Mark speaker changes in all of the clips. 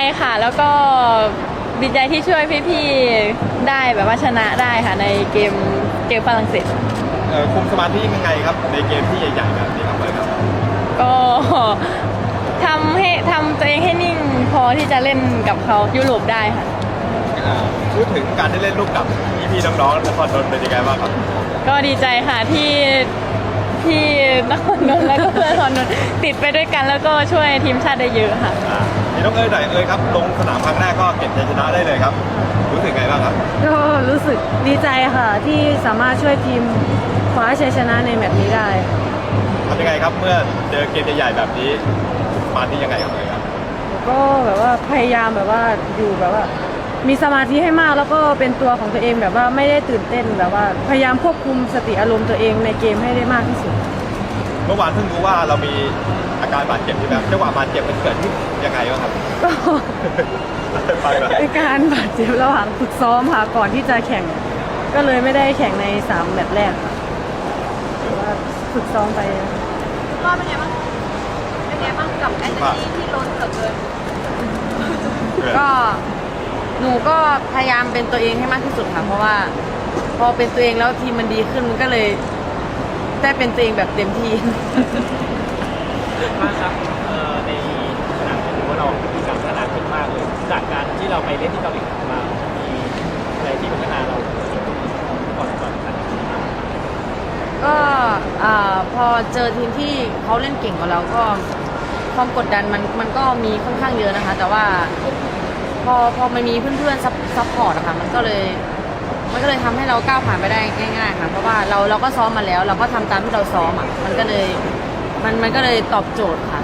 Speaker 1: ค่ะแล้วก็ดีใจที่ช่วยพี่ๆได้แบบว่าชนะได้ค่ะในเกมฝรั่งเศส
Speaker 2: คุมสมาธิยังไงครับในเกมที่ใหญ่ๆแบบนี้ครับเลยครับ
Speaker 1: ก็ทำตัวเองให้นิ่งพอที่จะเล่นกับเขายุโรปได้ค่ะ
Speaker 2: พูดถึงการได้เล่นร่วมกับพี่ๆน้องๆนครนนท์เป็นยังไงบ้างครับ
Speaker 1: ก็ดีใจค่ะที่นครนนท์แล้วก็เพื่อนนครนนท์ติดไปด้วยกันแล้วก็ช่วยทีมชาติได้เยอะค่ะ
Speaker 2: พี่น้องหน่อยครับลงสนามครั้งแรกก็เก็บชัยชนะได้เลยครับรู้สึกไงบ้างครับ
Speaker 3: ก็รู้สึกดีใจค่ะที่สามารถช่วยทีมคว้าชัยชนะในแมตช์นี้ได้
Speaker 2: ทำยังไงครับเมื่อเจอเกมใหญ่ๆแบบนี้มาที่ยังไงครับเลยครับ
Speaker 3: ก็แบบว่าพยายามแบบว่าอยู่แบบว่ามีสมาธิให้มากแล้วก็เป็นตัวของตัวเองแบบว่าไม่ได้ตื่นเต้นแบบว่าพยายามควบคุมสติอารมณ์ตัวเองในเกมให้ได้มากที่สุด
Speaker 2: เมื่อวานเพิ่งรู้ว่าเรามีอาการบาดเจ็บที่แบบจังหวะบาดเจ็บมันเกิดขึ้นยังไงบ้างครับ
Speaker 3: ก็เป็นการบาดเจ็บระหว่างฝึกซ้อมค่ะก่อนที่จะแข่งก็เลยไม่ได้แข่งใน3แมตช์แรกค่ะว่าฝึกซ้อมไป
Speaker 1: ก็เป็นไงบ้างกับแอนโทนีที่ล้นเหลือเกิน
Speaker 3: ก็หนูก็พยายามเป็นตัวเองให้มากที่สุดค่ะเพราะว่าพอเป็นตัวเองแล้วทีมมันดีขึ้นมันก็เลยได้เป็นตัวเองแบบเต็มที่
Speaker 4: มากครับในสนามถือว่าเรามีการพัฒนาขึ้นมากเลยจากการที่เราไปเล่นที่เกาหลีมามีอะไรที่พัฒนาเราก่อนกัน
Speaker 3: ก็พอเจอทีมที่เขาเล่นเก่งกว่าเราก็ความกดดันมันก็มีค่อนข้างเยอะนะคะแต่ว่าพอมันมีเพื่อนๆซัพพอร์ตอะค่ะมันก็เลยทำให้เราก้าวผ่านไปได้ง่ายๆค่ะเพราะว่าเราก็ซ้อมมาแล้วเราก็ทำตามที่เราซ้อมอะมันก็เลยตอบโจทย์ค่ะ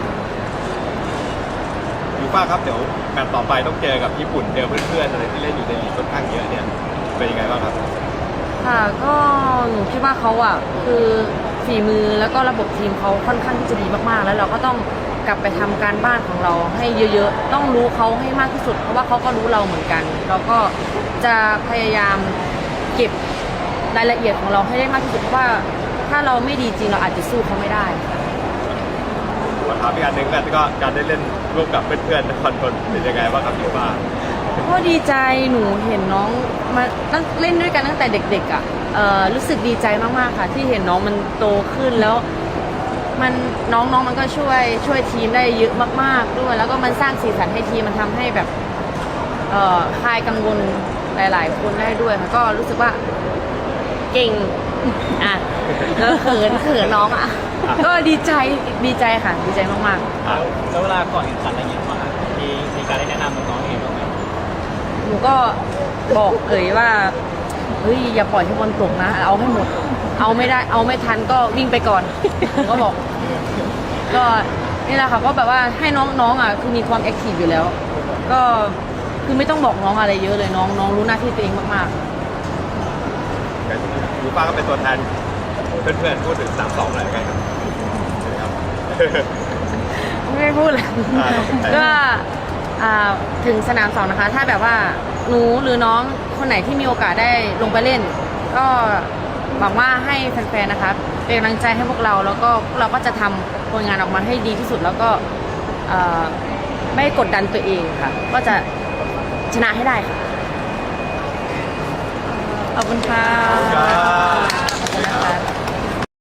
Speaker 2: ยูฟ่าครับเดี๋ยวแมตช์ต่อไปต้องเจอกับญี่ปุ่นเจอเพื่อนๆอะไรที่เล่นอยู่ในลีกค่อนข้างเยอะเนี่ยเป็นยังไงบ้างครับ
Speaker 3: ค่ะก็หนูคิดว่าเขาอะคือฝีมือแล้วก็ระบบทีมเขาค่อนข้างที่จะดีมากๆแล้วเราก็ต้องกลับไปทำการบ้านของเราให้เยอะๆต้องรู้เขาให้มากที่สุดเพราะว่าเขาก็รู้เราเหมือนกันเราก็จะพยายามเก็บรายละเอียดของเราให้ได้มากที่สุดเพราะว่าถ้าเราไม่ดีจริงเราอาจจะสู้เขาไม่ได้
Speaker 2: มาถามอีกอันหนึ่งแล้วก็การได้เล่นร่วมกับเพื่อนๆนครนนท์เป็นยังไงบ้างครับพี่ฟ้า
Speaker 3: ก็ดีใจหนูเห็นน้องมาตั้งเล่นด้วยกันตั้งแต่เด็กๆอ่ะรู้สึกดีใจมากๆค่ะที่เห็นน้องมันโตขึ้นแล้วมันน้องมันก็ช่วยทีมได้เยอะมากๆด้วยแล้วก็มันสร้างสีสันให้ทีมมันทำให้แบบคลายกังวลหลายๆคนได้ด้วยค่ะก็รู้สึกว่าเก่งอ่ะแล้วเขินน้องอ่ะก็ดีใจค่ะดีใจมากๆ
Speaker 4: แล้วเวลาก่อนแข่งขันอะไรอย่างเงี้ยมีการได้แนะนำน้องๆเองบ้างไหม
Speaker 3: หนูก็บอกว่าเฮ้ยอย่าปล่อยให้บอลตกนะเอาให้หมดเอาไม่ได้เอาไม่ทันก็วิ่งไปก่อนก็บอกก็นี่แหละค่ะก็แบบว่าให้น้องอ่ะคือมีความแอคทีฟอยู่แล้วก็คือไม่ต้องบอกน้องอะไรเยอะเลยน้องรู้หน้าที่ตัวเองมาก
Speaker 2: ๆยูฟ่าก็เป็นตัวแทนเพื่อนๆพูดถึง3-2อะไรกันครับ
Speaker 3: ไม่พูดเลยก็ถึงสนาม2นะคะถ้าแบบว่าหนูหรือน้องคนไหนที่มีโอกาสได้ลงไปเล่นก็หวังว่าให้แฟนๆนะคะเป็นกำลังใจให้พวกเราแล้วก็เราก็จะทำผลงานออกมาให้ดีที่สุดแล้วก็ไม่กดดันตัวเองค่ะก็จะชนะให้ได้ค่ะขอบคุณค่ะ